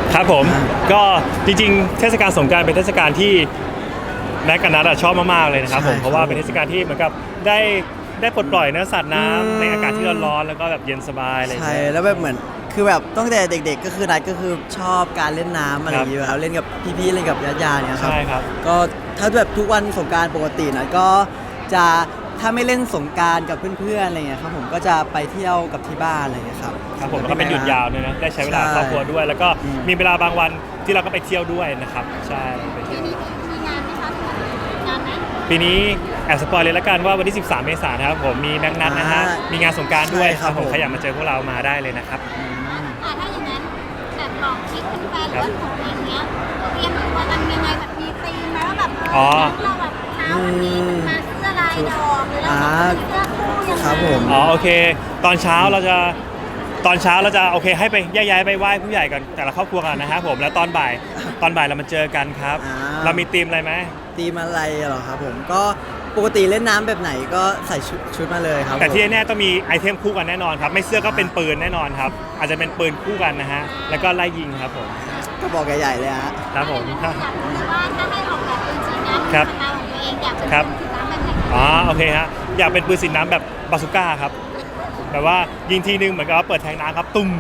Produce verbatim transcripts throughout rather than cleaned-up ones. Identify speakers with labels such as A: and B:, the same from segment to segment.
A: ครับผมก็จริงๆเทศกาลสงกรานต์เป็นเทศกาลที่แม็กกับนัทชอบมากๆเลยนะครับผมเพราะว่าเป็นเทศกาลที่เหมือนกับได้ได้ปลดปล่อยเนื้อสัตว์น้ำในอากาศที่ร้อนๆแล้วก็แบบเย็นสบายอะไรอย่าง
B: ใช่
A: เงี้ย
B: แล้วแบบเหมือนคือแบบตั้งแต่เด็กๆก็คือนัดก็คือชอบการเล่นน้ำอะไรอย่างเงี้ยครับเล่นกับพี่ๆเล่นกับญาติๆเนี่ยครับ
A: ใช่ครับ
B: ก็ถ้าแบบทุกวันสงกรานต์ปกตินะก็จะถ้าไม่เล่นสงกรานต์กับเพื่อนๆอะไรเงี้ยครับผมก็จะไปเที่ยวกับที่บ้านอะไรเงี้ยครับ
A: ครับผมแล้วก็เป็นหยุดยาวด้วยนะได้ใช้เวลา
B: ใช่
A: ครอบครัวด้วย แล้วก็
B: อืม
A: มีเวลาบางวันที่เราก็ไปเที่ยวด้วยนะครับใช่ไปเที่ยว
C: มีมีงานไหมคะงานไหม
A: ปีนี้แอบสปอยเลยละกันว่าวันที่สิบสามเมษายนนะครับผมมีแม็กนัทนะฮะมีงานสงกรานต์ด้วยครับผมใครอยากมาเจอพวกเรามาได้เลยนะครับ
C: อ่าถ้าอย่างนั้นแบบบอกทริคแฟนๆหรือว่าของเองเนี้ยเตรียมตัวกันยังไงแบบมีธีมไหมว่าแบบเออเราแบบเช้าวันนี้มันมาเสื้อลายดอกหรือเราจะเสื้อคู่ยังไง
B: ครับผม
A: อ๋อโอเค ตอนเช้าเราจะตอนเช้าเราจะโอเคให้ไปแยกย้ายไปไหว้ผู้ใหญ่กันแต่ละครอบครัวกันนะครับผมแล้วตอนบ่ายตอนบ่ายเรามาเจอกันครับ
B: อ่า
A: เรามีธีมอะไรไหม
B: ตีมอะไรเหรอครับผมก็ปกติเล่นน้ำแบบไหนก็ใส่ชุดชุดมาเลยครับ
A: แต่ที่
B: ผม
A: แน่ๆต้องมีไอเทมคู่กันแน่นอนครับไม่เสื้อก็เป็นปืนแน่นอนครับอาจจะเป็นปืนคู่กันนะฮะแล้วก็ไล่ยิงครับผม
B: ก็บอกใหญ่ๆเลยฮะ
A: ครับผม
C: อยากรู้ว่าถ้าให้ออกแบบเป็นสีน้ำ
A: ครับ
C: สไตล์ของตัวเองอยากเป็น
A: ครับ
C: สีน้ำแบบไหน
A: อ๋อโอเคฮะอยากเป็นปืนสีน้ำแบบบาซูก้าครับแบบว่ายิงทีนึงเหมือนกับว่าเปิดแทงน้ำครับตุ้ม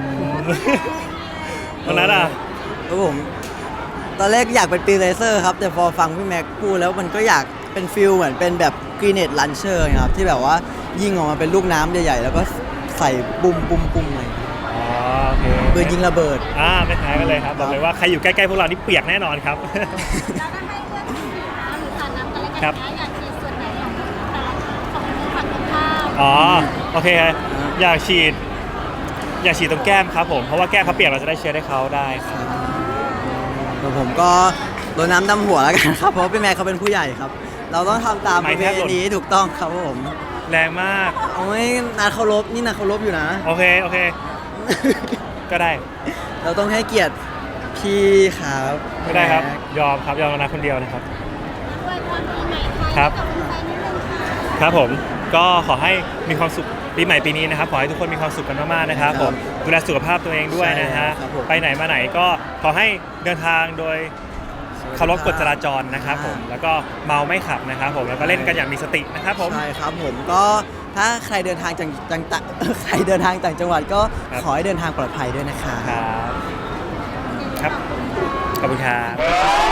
A: ตรงนั้นอ่ะ
B: ครับผมตอนแรกอยากเป็นปีเลเซอร์ครับแต่พอฟังพี่แม็กพูดแล้วมันก็อยากเป็นฟิลเหมือนเป็นแบบกรีเนตลันเชอร์ครับที่แบบว่ายิงออกมาเป็นลูกน้ำใหญ่ๆแล้วก็ใส่ปุ่มปุ่มปุ่มอะไรอย่างเงี้ย
A: อ๋อโอเค
B: ปืนยิงระเบิด
A: อ่าไม่แพ้กันเลยครับบอกเลยว่าใครอยู่ใกล้ๆพวกเรานี่เปียกแน่นอนครับ
C: แล้วถ้าให้เลือกสีน้ำหรือสาดน้ำกันแล้วกัน
A: ครับ
C: นะอยากฉีดส่วนไหนของแต่ละของมือฝั่งตรงข้าม
A: อ๋อโอเคอยากฉีด อยากฉีดตรงแก้มครับผมเพราะว่าแก้มเขาเปียกเราจะได้เชื้อได้เขาได้ครับ
B: แต่ผมก็โดนน้ำดำหัวแล้วกันครับเพราะว่าพี่แม็กเขาเป็นผู้ใหญ่ครับ เราต้องทำตามประเพณีที่ถูกต้องครับผม
A: แรงมาก
B: โอ้ยนาเคารพนี่นาเคารพอยู่นะ
A: โอเคโอเค ก็ได้
B: เราต้องให้เกียรติพี่ครับ
A: ก็ได้ครับยอมครับยอมนะคนเดียวนะครับ
C: ด้วยความปีใหม่ไทย
A: ครับ
C: กับแฟนๆนิดนึงค่ะ
A: ครับผมก็ขอให้มีความสุขปีใหม่ปีนี้นะครับขอให้ทุกคนมีความสุขกันมากๆนะครับผมดูแลสุขภาพตัวเองด้วยนะฮะไปไหนมาไหนก็ขอให้เดินทางโดยเคารพกฎจราจรนะครับผมแล้วก็เมาไม่ขับนะครับผมแล้วก็เล่นกันอย่างมีสตินะครับผม
B: ใช่ครับผมก็ถ้าใครเดินทางจังจังตะ ใครเดินทางต่างจังหวัดก็
A: ครับ
B: ขอให้เดินทางปลอดภัยด้วยนะคะ
A: ครับครับขอบคุณครับ